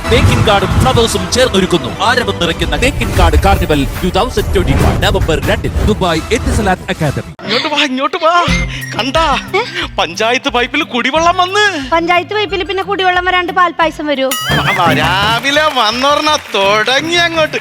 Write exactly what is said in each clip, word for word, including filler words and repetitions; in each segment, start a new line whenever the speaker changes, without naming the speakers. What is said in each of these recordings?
തേക്കിൻ കാർഡും ഫ്ലവേഴ്സും ചേർന്നൊരുക്കുന്നു ആരവം നിറയ്ക്കുന്ന തേക്കിൻ കാർഡ് carnival two thousand twenty one November രണ്ടിന് ദുബായ് എത്തിസലാത്ത് അക്കാദമി.
ഇങ്ങോട്ട് വാ ഇങ്ങോട്ട് വാ. കണ്ടാ പഞ്ചായത്ത് പൈപ്പിൽ കുടിവെള്ളം വന്ന്.
പഞ്ചായത്ത് പൈപ്പിൽ പിന്നെ കുടിവെള്ളം വരാണ്ട് പാൽപ്പായസം വരൂ.
രാവിലെ വന്നോർണ തുടങ്ങി അങ്ങോട്ട്.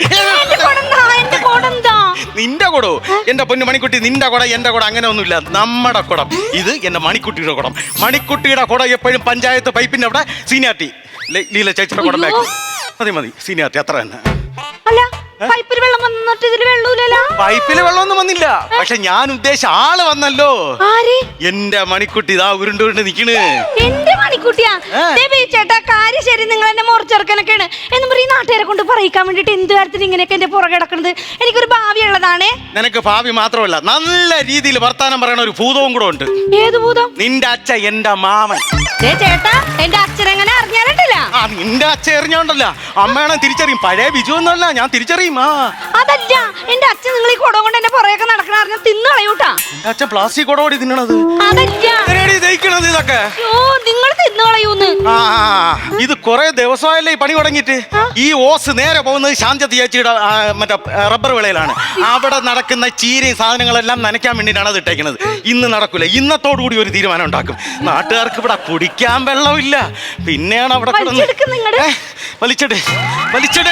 നിന്റെ കുടോ എന്റെ പൊന്നു മണിക്കുട്ടി, നിന്റെ കുട എന്റെ കുട അങ്ങനെ ഒന്നുമില്ല, നമ്മുടെ കുടം. ഇത് എന്റെ മണിക്കുട്ടിയുടെ കുടം. മണിക്കുട്ടിയുടെ കുട എപ്പോഴും പഞ്ചായത്ത് പൈപ്പിന്റെ അവിടെ സീനിയാർട്ടി ലീല ചേച്ചിയുടെ കുടം ബാക്കി. മതി മതി സീനിയാർട്ടി അത്ര തന്നെ.
അല്ല പൈപ്പിൽ വെള്ളം വന്നിട്ട് ഇതിൽ വെള്ളമില്ലല്ലോ.
പൈപ്പില് വെള്ളമൊന്നും വന്നില്ല, പക്ഷെ ഞാൻ ഉദ്ദേശിച്ച ആള് വന്നല്ലോ.
ആര്?
എന്റെ മണിക്കുട്ടി ഇതാ ഉരുണ്ട് ഉരുണ്ട് നിക്കണ്.
എന്റെ മണിക്കുട്ടിയാ? ചേട്ടാ കാര്യം ശരി, നിങ്ങൾ എന്നെ മുറിച്ചെറുക്കനൊക്കെയാണ് എന്ന് പറയും നാട്ടുകാരെ കൊണ്ട് പറയിക്കാൻ വേണ്ടിട്ട് എന്ത് കാര്യത്തിന് ഇങ്ങനെയൊക്കെ എന്റെ പുറകെ കിടക്കുന്നത്? എനിക്കൊരു ഭാവി ഉള്ളതാണേ.
നിനക്ക് ഭാവി മാത്രമല്ല, നല്ല രീതിയിൽ വർത്താനം പറയണ ഒരു ഭൂതവും കൂടെ ഉണ്ട്.
ഏത് ഭൂതം?
നിന്റെ അച്ഛ എന്റെ മാമൻ.
ചേട്ടാ എന്റെ അച്ഛനെങ്ങനെ അറിഞ്ഞാലല്ല?
ആ നിന്റെ അച്ഛ എറിഞ്ഞോണ്ടല്ല, അമ്മയാണെ തിരിച്ചറിയും. പഴയ ബിജു ഒന്നല്ല, ഞാൻ തിരിച്ചറിയും.
അതല്ല എന്റെ അച്ഛൻ നിങ്ങൾ ഈ കുടം കൊണ്ട് എന്റെ പുറകെ നടക്കണ അറിഞ്ഞ തിന്നുകളയൂട്ടാ.
എന്റെ അച്ഛൻ പ്ലാസ്റ്റിക് കുടോടി തിന്നണത്.
അതല്ല
ഇതൊക്കെ
നിങ്ങൾ തിന്നുകളയൂന്ന്.
ആ ഇത് കൊറേ ദിവസമായല്ലേ ഈ പണി തുടങ്ങിയിട്ട്. ഈ ഓസ് നേരെ പോകുന്നത് ശാന്തി ചേച്ചിയുടെ മറ്റേ റബ്ബർ വിളയിലാണ്. അവിടെ നടക്കുന്ന ചീരയും സാധനങ്ങളെല്ലാം നനയ്ക്കാൻ വേണ്ടിയിട്ടാണ് അത് ഇട്ടേക്കുന്നത്. ഇന്ന് നടക്കൂല, ഇന്നത്തോടു കൂടി ഒരു തീരുമാനം ഉണ്ടാക്കും. നാട്ടുകാർക്ക് ഇവിടെ കുടിക്കാൻ വെള്ളമില്ല, പിന്നെയാണ് അവിടെ വലിച്ചട് വലിച്ചട്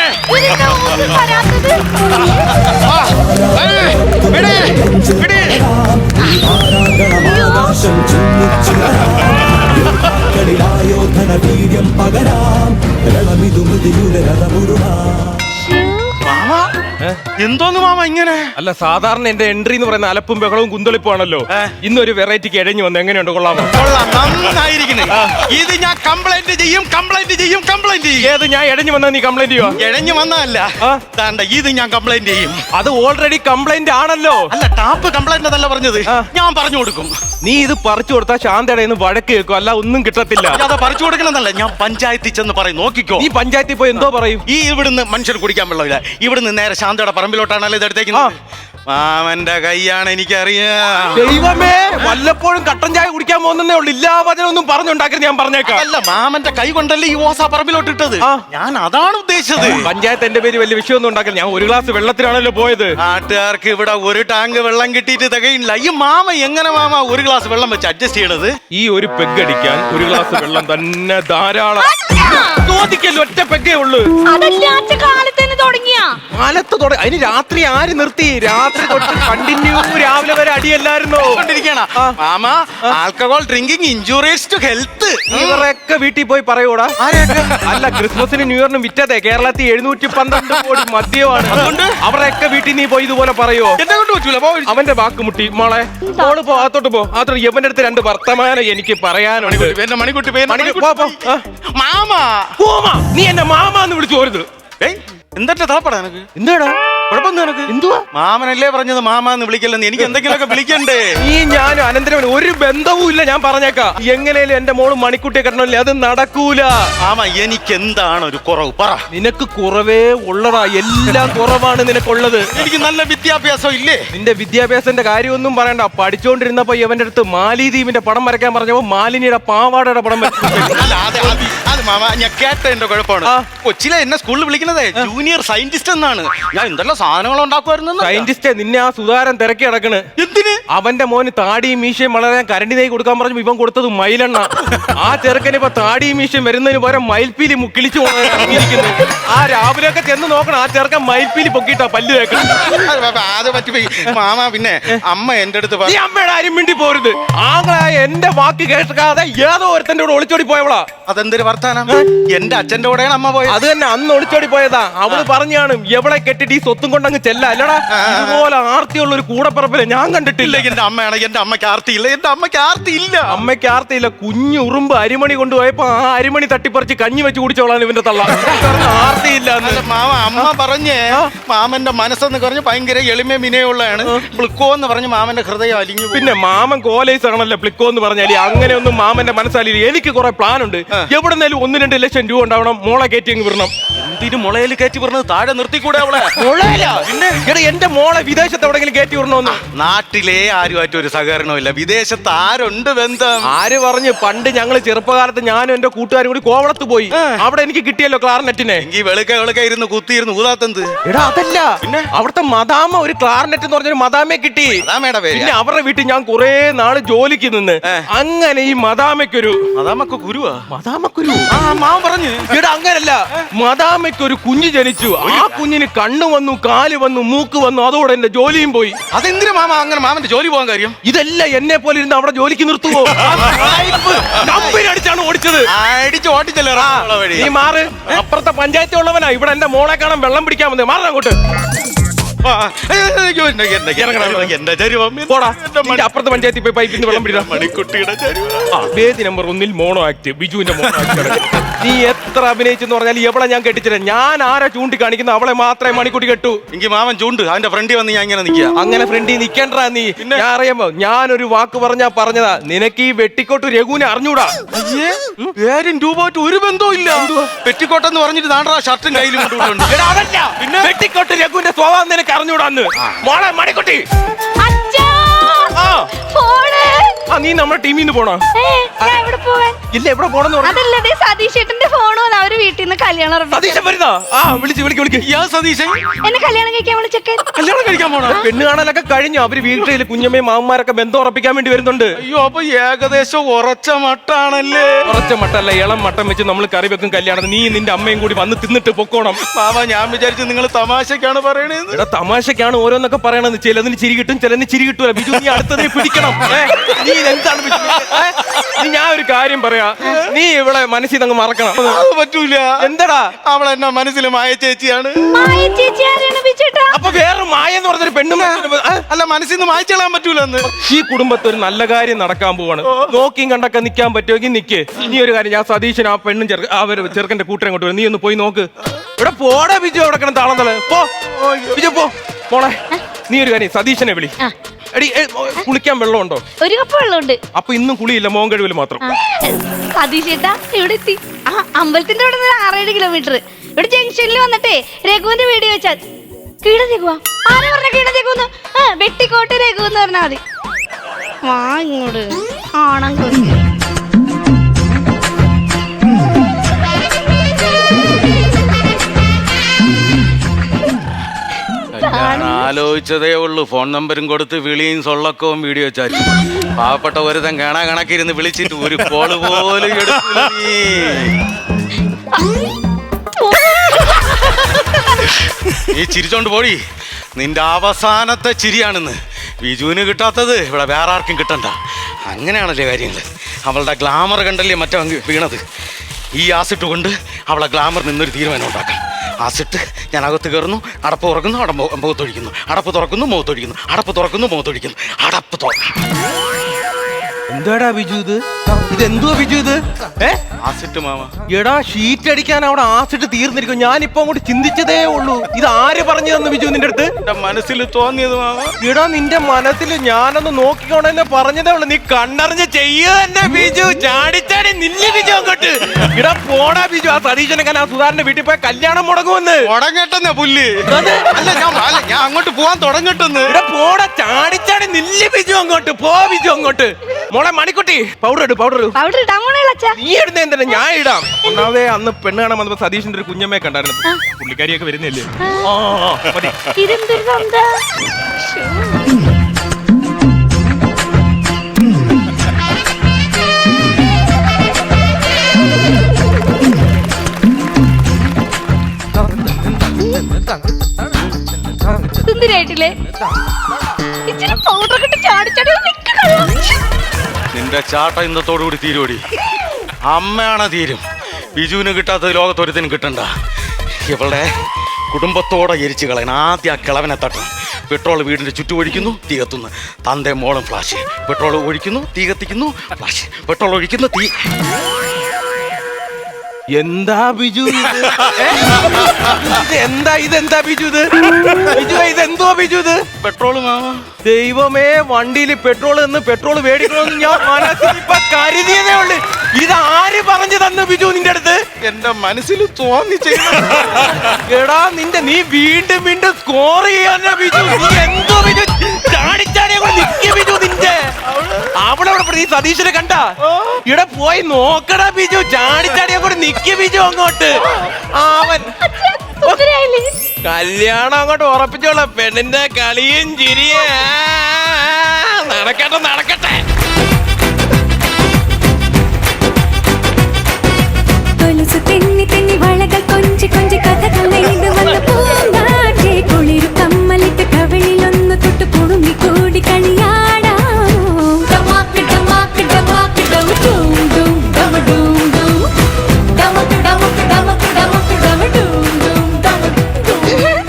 വീര്യം പകരാം രണമിതു മൃതിയുടെ രഥമുരുളാ.
എന്തോന്ന് മാമ ഇങ്ങനെ?
അല്ല സാധാരണ എന്റെ എൻട്രി എന്ന് പറയുന്ന അലപ്പും ബഹളവും കുന്തളിപ്പുമാണല്ലോ. ഇന്നൊരു വെറൈറ്റിക്ക് ഇഴഞ്ഞു വന്ന് എങ്ങനെയുണ്ട്? കൊള്ളാമോ?
കൊള്ളാം, നന്നായിരിക്കുന്നു. ഇത് ഞാൻ കംപ്ലൈന്റ് ചെയ്യും കംപ്ലൈന്റ് ചെയ്യും കംപ്ലൈന്റ് ചെയ്യും.
ഏത് ഞാൻ ഇഴഞ്ഞു വന്നാൽ നീ കംപ്ലൈന്റ് ചെയ്യോ?
ഇഴഞ്ഞു വന്നതല്ല, ഇത് ഞാൻ കംപ്ലൈന്റ് ചെയ്യും.
അത് ഓൾറെഡി കംപ്ലൈന്റ് ആണല്ലോ.
അല്ല ടാപ്പ് കംപ്ലൈന്റ് അതല്ല പറഞ്ഞത്, ഞാൻ പറഞ്ഞു കൊടുക്കും.
നീ ഇത് പറിച്ചു കൊടുത്താൽ ശാന്തയുടെ നിന്ന് വഴക്ക് കേൾക്കും, അല്ല ഒന്നും കിട്ടത്തില്ല.
അത് പറിച്ചു കൊടുക്കണമെന്നല്ല, ഞാൻ പഞ്ചായത്തിൽ ചെന്ന് പറയും. നോക്കിക്കോ,
ഈ പഞ്ചായത്തിൽ പോയി എന്തോ പറയും.
ഈ ഇവിടുന്ന് മനുഷ്യർ കുടിക്കാൻ വെള്ളമില്ല, ഇവിടുന്ന് നേരെ ശാന്തയുടെ പറമ്പിലോട്ടാണല്ലോ ഇത് എടുത്തേക്കുന്നത്. മാമന്റെ കൈയാണ് എനിക്കറിയാം.
ദൈവമേ, വല്ലപ്പോഴും കട്ടൻ ചായ കുടിക്കാൻ പോകുന്നേ ഉള്ളു, ഇല്ലാ വചനൊന്നും പറഞ്ഞുണ്ടാക്കരുത്, ഞാൻ പറഞ്ഞേക്കാം.
അല്ല മാമന്റെ കൈ കൊണ്ടല്ലേ ഈ ഓസ പറമ്പിലോട്ട് ഇട്ടത്, ഞാൻ അതാണ് ഉദ്ദേശിച്ചത്.
പഞ്ചായത്ത് എന്റെ പേര് വലിയ വിഷയമൊന്നും ഉണ്ടാക്കില്ല, ഞാൻ ഒരു ഗ്ലാസ് വെള്ളത്തിലാണല്ലോ പോയത്.
നാട്ടുകാർക്ക് ഇവിടെ ഒരു ടാങ്ക് വെള്ളം കിട്ടിയിട്ട് തികയില്ല. ഈ മാമ എങ്ങനെ മാമ ഒരു ഗ്ലാസ് വെള്ളം വെച്ച് അഡ്ജസ്റ്റ് ചെയ്യണത്?
ഈ ഒരു പെഗ് അടിക്കാൻ ഒരു ഗ്ലാസ് വെള്ളം തന്നെ ധാരാളം. ചോദിക്കല്ലോ, ഒറ്റ പെഗ്ഗേ ഉള്ളു. കാലത്ത് തുടങ്ങി, അതിന് രാത്രി ആര് നിർത്തി? രാത്രി തൊട്ട് കണ്ടിന്യൂ രാവിലെ വരെ അടിയല്ലായിരുന്നോ?
മാമ alcohol drinking injurious to health.
ഇവരൊക്കെ വീട്ടിൽ പോയി പറയൂടാ. അല്ല ക്രിസ്മസിന് ന്യൂ ഇയറിനും വിറ്റതേ കേരളത്തിൽ എഴുന്നൂറ്റി പന്ത്രണ്ട് കോടി മദ്യമാണ്. അതുകൊണ്ട് അവരൊക്കെ വീട്ടിൽ നീ പോയി ഇതുപോലെ പറയോ?
എന്നെ കൊണ്ട് പറ്റൂല.
അവന്റെ വാക്ക് മുട്ടി മോളെ, മോള് പോ, അകത്തോട്ട് പോ. അതോട്ട് യവന്റെ അടുത്ത് രണ്ട് വർത്തമാനം എനിക്ക് പറയാനുണ്ട്.
മണിക്കുട്ടി
മാമ, നീ എന്നെ മാമാന്ന് വിളിച്ചു പോരുത്.
എന്താ താപ്പടാ എനക്ക്?
എന്താടാ
കുഴപ്പമൊന്നും എനക്ക്? എന്തുവാ മാമനല്ലേ പറഞ്ഞത് മാമാന്ന് വിളിക്കല്ലെന്ന്? എനിക്ക് എന്തെങ്കിലുമൊക്കെ വിളിക്കണ്ടേ?
ഈ ഞാൻ അനന്തരം ഒരു ബന്ധവും ഇല്ല, ഞാൻ പറഞ്ഞേക്കാം. എങ്ങനെയാലും എന്റെ മോള് മണിക്കുട്ടിയെ കെട്ടണല്ലേ, അത് നടക്കൂല.
ആമാ എനിക്ക് എന്താണ് ഒരു കുറവ് പറ.
നിനക്ക് കുറവേ ഉള്ളടാ, എല്ലാം കുറവാണ് നിനക്കുള്ളത്.
എനിക്ക് നല്ല വിദ്യാഭ്യാസം ഇല്ലേ?
നിന്റെ വിദ്യാഭ്യാസത്തിന്റെ കാര്യമൊന്നും പറയണ്ട. പഠിച്ചോണ്ടിരുന്നപ്പോ ഇവന്റെ അടുത്ത് മാലിദ്വീപിന്റെ പടം വരയ്ക്കാൻ പറഞ്ഞപ്പോ മാലിനിയുടെ പാവാടയുടെ പടം
അത് മാമ ഞാൻ കേട്ടതിന്റെ കുഴപ്പമാണ്. കൊച്ചിലെ എന്നെ സ്കൂളിൽ വിളിക്കുന്നത് ജൂനിയർ സയന്റിസ്റ്റ് എന്നാണ്. ഞാൻ എന്തെല്ലാം സാധനങ്ങൾ ഉണ്ടാക്കുമായിരുന്നു.
സയന്റിസ്റ്റ് നിന്നെ ആ സുധാരൻ തിരക്കി കിടക്കണ്.
എന്തിന്?
അവന്റെ മോന് താടിയും മീശയും വളരെ കരണ്ടി നെയ്യ് കൊടുക്കാൻ പറഞ്ഞു ഇവൻ കൊടുത്തത് മയിലെണ്ണ. ആ ചെറുക്കന് ഇപ്പൊ താടിയും മീശയും വരുന്നതിന് പകരം മയിൽപ്പീലി കിളിച്ചു ഇറങ്ങിയിരിക്കുന്നു. ആ രാവിലെയൊക്കെ ചെന്ന് നോക്കണം, ആ ചെറുക്കൻ മയിൽപ്പീലി പൊക്കിയിട്ടാ പല്ല് തേക്കണം.
അത് പറ്റിപ്പോയി മാമ. പിന്നെ അമ്മ എന്റെ അടുത്ത്
ഈ അമ്മയുടെ ആരും മിണ്ടി പോരുത്. ആങ്ങളായ എന്റെ വാക്ക് കേൾക്കാതെ ഏതോ ഒരുത്തന്റെ കൂടെ ഒളിച്ചോടി പോയവളാ.
അതെന്തൊരു വർത്താനം? എന്റെ അച്ഛന്റെ കൂടെയാണ് അമ്മ പോയത്.
അത് തന്നെ, അന്ന് ഒളിച്ചോടി പോയതാ. അവള് പറഞ്ഞാണ് എവളെ കെട്ടിട്ട് ഈ സ്വത്തും കൊണ്ടങ്ങ് ചെല്ല. അല്ലടാ, ഇതുപോലെ ആർത്തിയുള്ള ഒരു കൂടപ്പറപ്പില്ല ഞാൻ കണ്ടിട്ടില്ല.
എന്റെ അമ്മയാണ്. എന്റെ അമ്മയ്ക്ക് ആർത്തിയില്ല. എന്റെ അമ്മയ്ക്ക് ആർത്തിയില്ല.
അമ്മയ്ക്ക് ആർത്തിയില്ല. കുഞ്ഞു ഉറുമ്പ് അരിമണി കൊണ്ടുപോയപ്പോ ആ അരിമണി തട്ടിപ്പറിച്ച് കഞ്ഞി വെച്ച് കുടിച്ചോളാൻ ഇവന്റെ തള്ള. ആർത്തിയില്ല.
മാമ അമ്മ പറഞ്ഞേ മാമന്റെ മനസ്സെന്ന് പറഞ്ഞ് ഭയങ്കര എളിമ വിനയുള്ളതാണ്. പ്ലിക്കോ എന്ന് പറഞ്ഞ് മാമന്റെ ഹൃദയം അലിഞ്ഞു.
പിന്നെ മാമൻ കോലേസ് ആണല്ലോ പ്ലിക്കോ എന്ന് പറഞ്ഞാല്. അങ്ങനെയൊന്നും മാമന്റെ മനസ്സലില്ല. എനിക്ക് കുറെ പ്ലാൻ ഉണ്ട്. എവിടെന്നേലും ഒന്ന് രണ്ട് ലക്ഷം രൂപ ഉണ്ടാവണം, മോളെ കയറ്റി അങ്ങ് വിടണം.
എന്തിനു മുളയിൽ കയറ്റി പറഞ്ഞത്? താഴെ നിർത്തിക്കൂടെ അവളെ?
മുള പറ്റില്ല. എടാ എന്റെ മോളെ വിദേശത്ത് എവിടെങ്കിലും കയറ്റി വിടണമെന്ന്.
നാട്ടിലെ ആരുമായിട്ട് ഒരു സഹകരണമില്ല, വിദേശത്ത് ആരുണ്ട് ബന്ധം?
ആര് പറഞ്ഞു? പണ്ട് ഞങ്ങള് ചെറുപ്പകാലത്ത് ഞാനും എന്റെ കൂട്ടുകാരും കൂടി കോവളത്ത് പോയി. അവിടെ എനിക്ക് കിട്ടിയല്ലോ ക്ലാർനെറ്റിനെ.
എങ്കിൽ വെളുക്ക വെളുക്ക ഇരുന്ന് കുത്തിയിരുന്ന് ഊതാത്തന്ത്.
എടാ അതല്ല, പിന്നെ അവിടുത്തെ മദാമ ഒരു ക്ലാർനെറ്റ് എന്ന് പറഞ്ഞൊരു മദാമയെ കിട്ടി.
മദാമയുടെ പേര്?
പിന്നെ അവരുടെ വീട്ടിൽ ഞാൻ കുറെ നാള് ജോലിക്ക് നിന്ന്. അങ്ങനെ ഈ മദാമയ്ക്കൊരു
മദാമക്ക് കുരുവാ?
മദാമക്കുരു
ആ മാമൻ പറഞ്ഞു.
ഇവിടെ അങ്ങനല്ല, മദാമയ്ക്കൊരു കുഞ്ഞ് ജനിച്ചു. ആ കുഞ്ഞിന് കണ്ണ് വന്നു, കാല് വന്നു, മൂക്ക് വന്നു. അതോടെ എന്റെ ജോലിയും പോയി.
അതെന്തിനു മാമ അങ്ങനെ മാമന്റെ ജോലി പോകാൻ കാര്യം?
ഇതെല്ലാം എന്നെ പോലെ ഇരുന്ന് അവിടെ ജോലിക്ക് നിർത്തുവോ? കമ്പനി അടിച്ചാണ് ഓടിച്ചത്.
അടിച്ച് ഓടിച്ചല്ലേ
നീ മാറ്. അപ്പുറത്തെ പഞ്ചായത്തിൽ ഉള്ളവനാ ഇവിടെ എന്റെ മോളെ കാണാൻ വെള്ളം പിടിക്കാൻ വന്നത്. മാറാ അങ്ങോട്ട്.
എന്റെ ചരുവം
പോടാ. അപ്പുറത്തെ പഞ്ചായത്തിൽ പോയി പൈപ്പിൽ നിന്ന് വെള്ളം പിടിക്കാം.
മണിക്കുട്ടിയുടെ
വേദി നമ്പർ ഒന്നിൽ മോണോ ആക്ട്, ബിജുവിന്റെ മോണോ ആക്ട്. നീ എത്ര അഭിനയിച്ചെന്ന് പറഞ്ഞാൽ എവളെ ഞാൻ കെട്ടിച്ചില്ല. ഞാൻ ആരാ ചൂണ്ടിക്കാണിക്കുന്ന അവളെ മാത്രമേ മണിക്കുട്ടി കെട്ടു.
എനിക്ക് മാമൻ ചൂണ്ട് അവന്റെ ഫ്രണ്ടിൽ വന്ന് ഞാൻ ഇങ്ങനെ നിൽക്കുക.
അങ്ങനെ ഫ്രണ്ടിൽ നിക്കണ്ടാ നീ. ഞാൻ അറിയാമോ, ഞാനൊരു വാക്ക് പറഞ്ഞാ പറഞ്ഞതാ. നിനക്ക് ഈ വെട്ടിക്കോട്ട് രഘുവിനെ അറിഞ്ഞൂടാ.
ഏഴും രൂപ ഒരു ബന്ധവും ഇല്ല. പെറ്റിക്കോട്ടെന്ന് പറഞ്ഞിട്ട് നാണ്ടാ ഷർട്ടും കയ്യിലും കൊണ്ടുപോയിട്ടുണ്ട്.
അതല്ല, പിന്നെ വെട്ടിക്കോട്ട് രഘുവിന്റെ സ്വഭാവം നിനക്ക് അറിഞ്ഞൂടാന്ന്. മോളെ മണിക്കുട്ടി, നീ നമ്മുടെ ടീമിൽ നിന്ന് പോണോ? ഇല്ല, എവിടെ പോണെന്ന് പറഞ്ഞു.
അതല്ലേ സതീഷേട്ടന്റെ ഫോൺ വന്ന് അവര് വീട്ടിൽ നിന്ന് കല്യാണം.
സതീശൻ വരുന്നോ? ആ വിളിച്ച് വിളിക്ക് വിളിക്ക്.
യാ സതീശൻ
എന്നെ കല്യാണം കഴിക്കാൻ വിളിച്ചൊക്കെ.
കല്യാണം കഴിക്കാൻ പോണോ?
പെണ്ണ് കാണാനൊക്കെ കഴിഞ്ഞു. അവര് വീട്ടിൽ കുഞ്ഞമ്മയും മാമന്മാരൊക്കെ ബന്ധം ഉറപ്പിക്കാൻ വേണ്ടി വരുന്നുണ്ട്.
അയ്യോ, അപ്പൊ ഏകദേശം ഉറച്ച മട്ടാണല്ലേ?
ഉറച്ച മട്ടല്ല, ഇളം മട്ടം വെച്ച് നമ്മൾ കറി വെക്കും കല്യാണം. നീ നിന്റെ അമ്മയും കൂടി വന്ന് തിന്നിട്ട് പൊക്കോണം.
മാമ ഞാൻ വിചാരിച്ചു നിങ്ങൾ തമാശക്കാണ് പറയണേന്ന്.
ഇവിടെ തമാശക്കാണ് ഓരോന്നൊക്കെ പറയണത്. ചിലതിന് ചിരി കിട്ടും, ചിലതിന് ചിരി കിട്ടൂല. ബിജു നീ അടുത്തതിനെ പിടിക്കണം. നീ എന്താണ് ബിജു? നീ ഞാൻ ഒരു കാര്യം പറയാ, നീ ഇവിടെ മനസ്സിൽ അങ്ങ് മറക്കണം.
അത് പറ്റൂല.
എന്താടാ?
അവൾ എന്നാ മനസ്സിൽ മായ ചേച്ചിയാണ്.
മായ ചേച്ചി ആരാണ് ബിജുട്ടാ?
അപ്പൊ വേറെ മായ എന്ന് പറഞ്ഞൊരു പെണ്ണും
അല്ല, മനസ്സിൽ നിന്ന് മായ്ച്ചളാൻ പറ്റൂല എന്ന്.
ഈ കുടുംബത്തിൽ ഒരു നല്ല കാര്യം നടക്കാൻ പോവാണ്. നോക്കിയും കണ്ടൊക്കെ നിൽക്കാൻ പറ്റുമെങ്കിൽ നിക്ക്. നീ ഒരു കാര്യം, ഞാൻ സതീശൻ ആ പെണ്ണും ചെറുക്ക അവര് ചെറുക്കന്റെ കൂട്ടരെ കൊണ്ട് വരും. നീ ഒന്ന് പോയി നോക്ക്. ഇവിടെ പോടാ ബിജു, അവിടെ കിടന്ന് താളം തല. പോ ബിജു, പോ മോളെ. നീ ഒരു കാര്യം, സതീശനെ വിളി. എടി, കുളിക്കാൻ വെള്ളമുണ്ടോ?
ഒരു കപ്പ് വെള്ളമുണ്ട്.
അപ്പൊ ഇന്നും കുളിയില്ല, മോൻ കഴിവില് മാത്രം.
സതീഷേട്ടാ ഇവിടെ എത്തി. ആ അമ്പലത്തിന്റെ അവിടെ നിന്ന് ആറേഴ് കിലോമീറ്റർ. ഇവിടെ ജംഗ്ഷനിൽ വന്നിട്ടേ രഘുവിന്റെ വീഡിയോ വെച്ചാൽ കീട രഘുവാ. ആരാ പറഞ്ഞ കീട രഘുന്ന്? ആ വെട്ടിക്കോട്ട് രഘു എന്ന് പറഞ്ഞാൽ മതി. വാ ഇങ്ങോട്ട് ആണം കൊതി.
ആലോചിച്ചതേ ഉള്ളൂ. ഫോൺ നമ്പരും കൊടുത്ത് വിളിയും സൊള്ളക്കവും വീഡിയോ ചാറ്റും. പാവപ്പെട്ട ഒരുത്തൻ കാണാ കണക്കിരുന്ന് വിളിച്ചിട്ട് ഒരു കോള് പോലും എടുക്കില്ല. നീ ചിരിച്ചോണ്ട് പോടി. നിന്റെ അവസാനത്തെ ചിരിയാണെന്ന്. ബിജുവിന് കിട്ടാത്തത് ഇവിടെ വേറെ ആർക്കും കിട്ടണ്ട. അങ്ങനെയാണല്ലേ കാര്യങ്ങൾ. അവളുടെ ഗ്ലാമർ കണ്ടല്ലേ മറ്റേ വീണത്. ഈ ആസിട്ട് കൊണ്ട് അവളെ ഗ്ലാമർ നിന്നൊരു തീരുമാനം ഉണ്ടാക്കാം. ആസിട്ട് ഞാൻ അകത്ത് കയറുന്നു, അടപ്പ് തുറക്കുന്നു, അട മുഖത്തൊഴിക്കുന്നു, അടപ്പ് തുറക്കുന്നു, മുഖത്തൊഴിക്കുന്നു, അടപ്പ് തുറക്കുന്നു, മുഖത്തൊഴിക്കുന്നു, അടപ്പ് തുറക്കുന്നു.
എന്താടാ ബിജു ഇത്? ഇതെന്തുവാ ബിജു ഇത്? ഏ
ആസിട്ട് മാമ.
എടാ, ഷീറ്റ് അടിക്കാൻ അവിടെ ആസിട്ട് തീർന്നിരിക്കും. ഞാനിപ്പോ അങ്ങോട്ട് ചിന്തിച്ചതേ ഉള്ളൂ. ഇത് ആര് പറഞ്ഞു തന്നു ബിജു നിന്റെ അടുത്ത്?
എന്റെ മനസ്സിൽ തോന്നിയത് മാമ.
എടാ, നിന്റെ മനസ്സിൽ ഞാനൊന്ന് നോക്കിക്കോണെന്നെ പറഞ്ഞതേ ഉള്ളൂ. നീ കണ്ണറിഞ്ഞ് ചെയ്യുക തന്നെ ബിജു. ചാടിച്ചാടി നില്ല് ബിജു അങ്ങോട്ട്. ഇടാ പോടാ ബിജു. ആ സതീശനൊക്കെ ആ സുധാരന്റെ വീട്ടിൽ പോയി കല്യാണം മുടങ്ങുമെന്ന്.
തുടങ്ങട്ടെന്നെ പുല്ല്. അല്ല ഞാൻ അല്ല ഞാൻ അങ്ങോട്ട് പോവാൻ തുടങ്ങട്ടെന്ന്.
ഇവിടെ പോടാ, ചാടിച്ചാടി നില്ല് ബിജു അങ്ങോട്ട്. പോ ബിജു അങ്ങോട്ട്. മോളെ മണിക്കുട്ടി, പൗഡർ ഇട്. പൗഡർ
പൗഡർ ഇടാൻ പോണേ അച്ഛാ.
നീ ഇടുന്ന എന്തിനാ? ഞാൻ ഇടാം. ഒന്നാമതേ അന്ന് പെണ്ണ് കാണാൻ വന്നപ്പോ സതീഷിന്റെ ഒരു കുഞ്ഞമ്മയെ കണ്ടായിരുന്നു. പുള്ളിക്കാരിയൊക്കെ വരുന്നില്ലേ? ആ മതി.
ഇതെന്തൊരു ബന്ധാ? സുന്ദരായിട്ടില്ലേ? ഇച്ചിരി പൗഡർ കിട്ടി ചാടിച്ചാടി നിൽക്കണോ?
നിന്റെ ചാട്ട ഇന്നത്തോടുകൂടി തീരുവടി. അമ്മയാണ് തീരും. ബിജുവിന് കിട്ടാത്തത് ലോകത്തൊരുത്തിനും കിട്ടണ്ട. ഇവളുടെ കുടുംബത്തോടെ എരിച്ചു കളയണം. ആദ്യം ആ കിളവനെ തട്ടണം. പെട്രോൾ വീടിന്റെ ചുറ്റും ഒഴിക്കുന്നു, തീ കത്തുന്നു. തന്റെ മോളും ഫ്ലാഷ്. പെട്രോൾ ഒഴിക്കുന്നു, തീ കത്തിക്കുന്നു, ഫ്ലാഷ്. പെട്രോൾ ഒഴിക്കുന്നു, തീ.
എന്താ ബിജു ഇത്? ഏ? ഇത് എന്താ ഇതെന്താ ബിജു ഇത്? ബിജു ഇതെന്തോ ബിജു ഇത്?
പെട്രോള് മാമ.
ദൈവമേ, വണ്ടിയിൽ പെട്രോൾ എന്ന് പെട്രോൾ മേടിക്കണമെന്ന് ഞാൻ മനസ്സിൽ ഇപ്പൊ കരുതിയതേ ഉള്ളു. ഇത് ആര് പറഞ്ഞു തന്നു ബിജു നിന്റെ അടുത്ത്?
എന്റെ മനസ്സിൽ തോന്നി ചെയ്യുന്ന.
എടാ നിന്റെ നീ വീണ്ടും വീണ്ടും സ്കോർ ചെയ്യാനാ ബിജു. നീ എന്തോ ബിജു ചാടിച്ചാടിയെ കൊണ്ട് നിക്ക ബിജു നിന്റെ അവിടെ അവിടെ നീ സതീശനെ കണ്ട ഇവിടെ പോയി നോക്കടാ ബിജു. ചാടിച്ചാടിയെ കൊണ്ട് നിക്ക ബിജു അങ്ങോട്ട്. അവൻ
സുന്ദരിയായില്ലേ?
കല്യാണം അങ്ങോട്ട് ഉറപ്പിച്ചോളാം. പെണ്ണിന്റെ കളിയും ചിരിയെ നടക്കട്ടെ നടക്കട്ടെ.
കൊലുസു തെന്നി തെന്നി വളകൾ കൊഞ്ചി കൊഞ്ചി കഥകൾ നെയ്ത് വന്ന പൂങ്കാറ്റേ കുളിരു കമ്മലിട്ട് കവിളിലൊന്ന് തൊട്ട് കുടുങ്ങി കൂടി കളിയാടാം. ഡമാക്ക് ഡമാക്ക് ഡമാക്ക് ഡം ഡൂം ഡൂം ഡമ ഡൂം ഡൂം ഡമക്ക് ഡമക്ക് ഡമക്ക് ഡമക്ക് ഡമ ഡൂം ഡൂം ഡമ ഡൂം.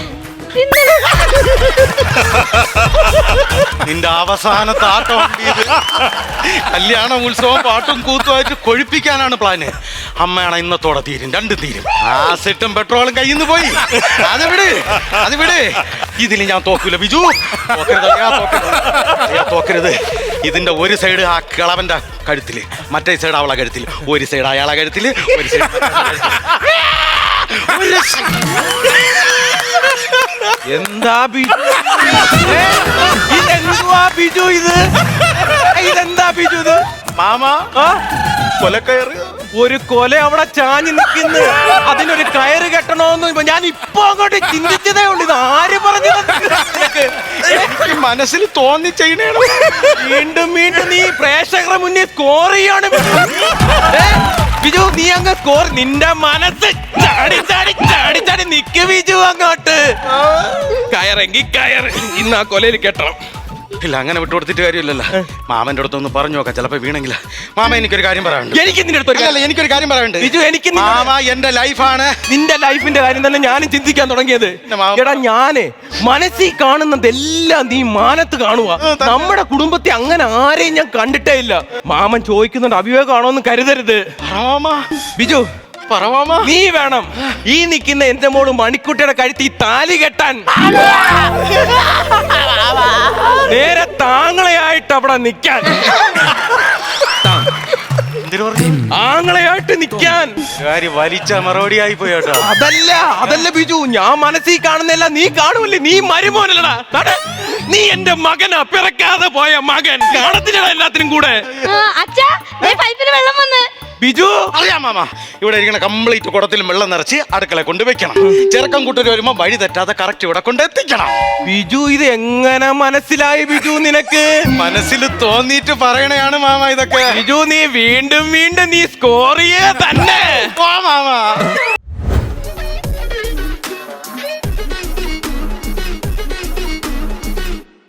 നിന്റെ അവസാനത്തെ ആട്ടം ഇത്. കല്യാണ ഉത്സവം പാട്ടും കൂത്തുമായിട്ട് കൊഴിപ്പിക്കാനാണ് പ്ലാന്. അമ്മയാണ് ഇന്നത്തോടെ തീരും, രണ്ടും തീരും. ആ സെറ്റും പെട്രോളും കയ്യിൽ നിന്ന് പോയി. അത് വിട്, അത് വിട്. ഇതിൽ ഞാൻ തോക്കൂല ബിജു. തോക്കരുത് അയ്യാ, തോക്കരുത് അയ്യാ, തോക്കരുത്. ഇതിന്റെ ഒരു സൈഡ് ആ കിളവന്റെ കഴുത്തില്, മറ്റേ സൈഡ് അവളെ കഴുത്തില്, ഒരു സൈഡ് അയാളെ കഴുത്തില്, ഒരു സൈഡ്
എന്താ ബിജു ഏ? ഇതെന്തുവാ ബിജു ഇത്? ഇതെന്താ ബിജു ഇത്?
മാമ
ആ?
കൊലക്കയറ്.
ഒരു കൊല അവിടെ ചാഞ്ഞു നിൽക്കുന്നു. അതിനൊരു കയറ് കെട്ടണോന്ന് ഞാൻ ഇപ്പൊ അങ്ങോട്ട് ചിന്തിച്ചതേ ഉള്ളൂ. ഇത് ആര് പറഞ്ഞു നിനക്ക്?
എനിക്ക് മനസ്സിൽ തോന്നി ചെയ്യണേ.
വീണ്ടും വീണ്ടും നീ പ്രേക്ഷകരുടെ മുന്നിൽ സ്കോർ ചെയ്യാണ് ബിജു. ഏ? ബിജു നീ അങ്ങ് സ്കോർ. നിന്റെ മനസ്സ് ചാടി ചാടി ചാടി ചാടി നിക്ക് ബിജു അങ്ങോട്ട്. കയറെങ്കി കയറ്. ഇന്ന് ആ കൊലയിൽ കെട്ടണം.
ഇല്ല, അങ്ങനെ വിട്ടുകൊടുത്തിട്ട് കാര്യമില്ലല്ലോ. മാമന്റെ അടുത്തൊന്ന് പറഞ്ഞു നോക്കാം, ചിലപ്പോ വീണെങ്കില. മാമ എനിക്കൊരു കാര്യം പറയാനുണ്ട്.
എനിക്ക് നിന്റെ അടുത്ത് ഒരു
അല്ല, എനിക്കൊരു കാര്യം പറയാനുണ്ട്
ബിജു. എനിക്ക് നിന്റെ-
മാമ എന്റെ ലൈഫാണ്.
നിന്റെ ലൈഫിന്റെ കാര്യം തന്നെ ഞാനും ചിന്തിക്കാൻ തുടങ്ങിയത്.
മാമ-
എടാ ഞാന് മനസ്സിൽ കാണുന്നതെല്ലാം നീ മാനത്ത് കാണുക. നമ്മുടെ കുടുംബത്തെ അങ്ങനെ ആരെയും ഞാൻ കണ്ടിട്ടേ ഇല്ല. മാമൻ ചോദിക്കുന്നുണ്ട്, അവിവേകമാണോന്ന് കരുതരുത്
മാമ,
ബിജു.
പറവാമ.
നീ വേണം ഈ നിൽക്കുന്ന എന്റെ മോള് മണിക്കുട്ടിയുടെ കഴുത്തി താലി കെട്ടാൻ. നേരെ താങ്കളെയായിട്ട് അവിടെ നിൽക്കാൻ,
എന്തിനു പറഞ്ഞു?
ആങ്ങളെയായിട്ട് നിൽക്കാൻ.
കാര്യം വലിച്ച മറുപടി ആയി പോയി കേട്ടോ.
അതല്ല അതല്ല ബിജു, ഞാൻ മനസ്സിൽ കാണുന്നില്ല, നീ കാണുമല്ലേ? നീ മരുമോനല്ലടാ. നട. നീ എന്റെ മകനാ, പിറക്കാതെ പോയ മകൻ. കാണത്തില്ലടാ എല്ലാത്തിനും കൂടെ.
ആ, അച്ഛാ ദേ പൈപ്പില് വെള്ളം വന്ന്.
ബിജു
അറിയാം മാമ, ഇവിടെ ഇരിക്കണ കംപ്ലീറ്റ് കുടത്തിലും വെള്ളം നിറച്ച് അടുക്കള കൊണ്ട് വെക്കണം. ചെറുക്കം കൂട്ടർ വരുമ്പോ വഴി തെറ്റാതെ കറക്റ്റ് ഇവിടെ കൊണ്ട് എത്തിക്കണം.
ബിജു ഇത് എങ്ങനെ മനസ്സിലായി ബിജു നിനക്ക്?
മനസ്സിൽ തോന്നിയിട്ട് പറയണയാണ് മാമ ഇതൊക്കെ.
ബിജു നീ വീണ്ടും വീണ്ടും നീ സ്കോർ ചെയ്യേ തന്നെ.
മാമ